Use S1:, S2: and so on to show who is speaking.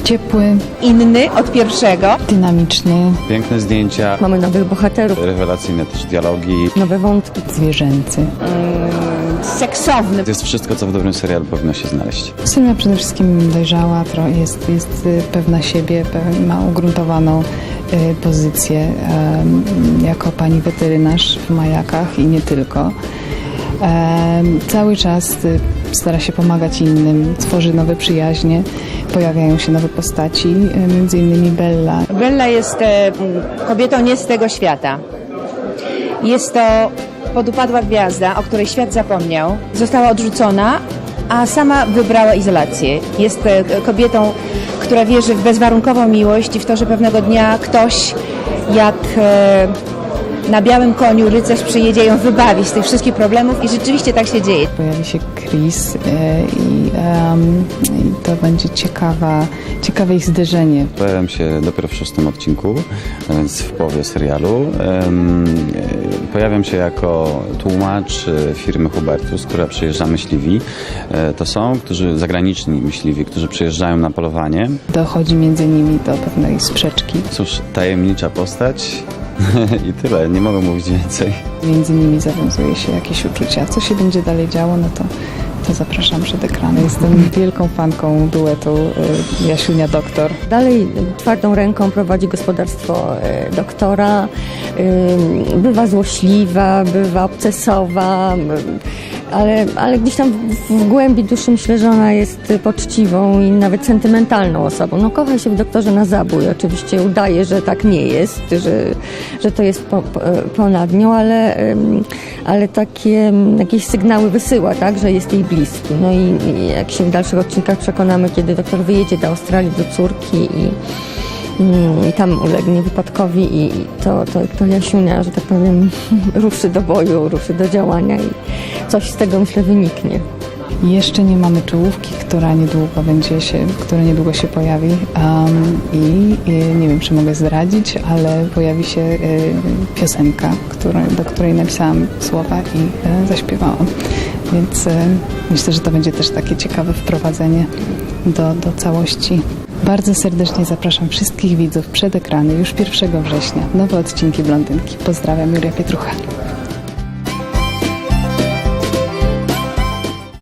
S1: Ciepły,
S2: Inny od pierwszego.
S1: dynamiczny,
S3: Piękne zdjęcia,
S4: Mamy nowych bohaterów,
S3: rewelacyjne też dialogi.
S4: nowe wątki.
S1: zwierzęcy.
S2: Seksowny.
S3: To jest wszystko, co w dobrym serialu powinno się znaleźć.
S1: Sylwia przede wszystkim dojrzała, jest pewna siebie, ma ugruntowaną pozycję jako pani weterynarz w Majakach i nie tylko. Cały czas stara się pomagać innym, tworzy nowe przyjaźnie, pojawiają się nowe postaci, między innymi Bella.
S2: Bella jest kobietą nie z tego świata. Jest to podupadła gwiazda, o której świat zapomniał. Została odrzucona, a sama wybrała izolację. Jest kobietą, która wierzy w bezwarunkową miłość i w to, że pewnego dnia ktoś jak na białym koniu rycerz przyjedzie ją wybawić z tych wszystkich problemów i rzeczywiście tak się dzieje.
S1: Pojawi się Chris i to będzie ciekawe ich zderzenie.
S3: Pojawiam się dopiero w 6. odcinku, a więc w połowie serialu. Pojawiam się jako tłumacz firmy Hubertus, która przyjeżdża myśliwi. To są zagraniczni myśliwi, którzy przyjeżdżają na polowanie.
S1: Dochodzi między nimi do pewnej sprzeczki.
S3: Cóż, tajemnicza postać i tyle, nie mogę mówić więcej.
S1: Między nimi zawiązuje się jakieś uczucia. Co się będzie dalej działo, no to zapraszam przed ekrany. Jestem wielką fanką duetu Jasiunia-Doktor.
S4: Dalej twardą ręką prowadzi gospodarstwo doktora. Bywa złośliwa, bywa obcesowa, ale gdzieś tam w głębi duszy myślę, że ona jest poczciwą i nawet sentymentalną osobą. No, kocha się w doktorze na zabój. Oczywiście udaje, że tak nie jest, że to jest ponad nią, ale takie jakieś sygnały wysyła, tak, że jest jej bliski. No i jak się w dalszych odcinkach przekonamy, kiedy doktor wyjedzie do Australii, do córki i tam ulegnie wypadkowi i to Jasiunia, że tak powiem, ruszy do boju, ruszy do działania i coś z tego myślę wyniknie.
S1: Jeszcze nie mamy czołówki, która niedługo się pojawi i nie wiem, czy mogę zdradzić, ale pojawi się piosenka, do której napisałam słowa i zaśpiewałam. Więc myślę, że to będzie też takie ciekawe wprowadzenie do całości. Bardzo serdecznie zapraszam wszystkich widzów przed ekrany już 1 września. Nowe odcinki Blondynki. Pozdrawiam, Julia Pietrucha.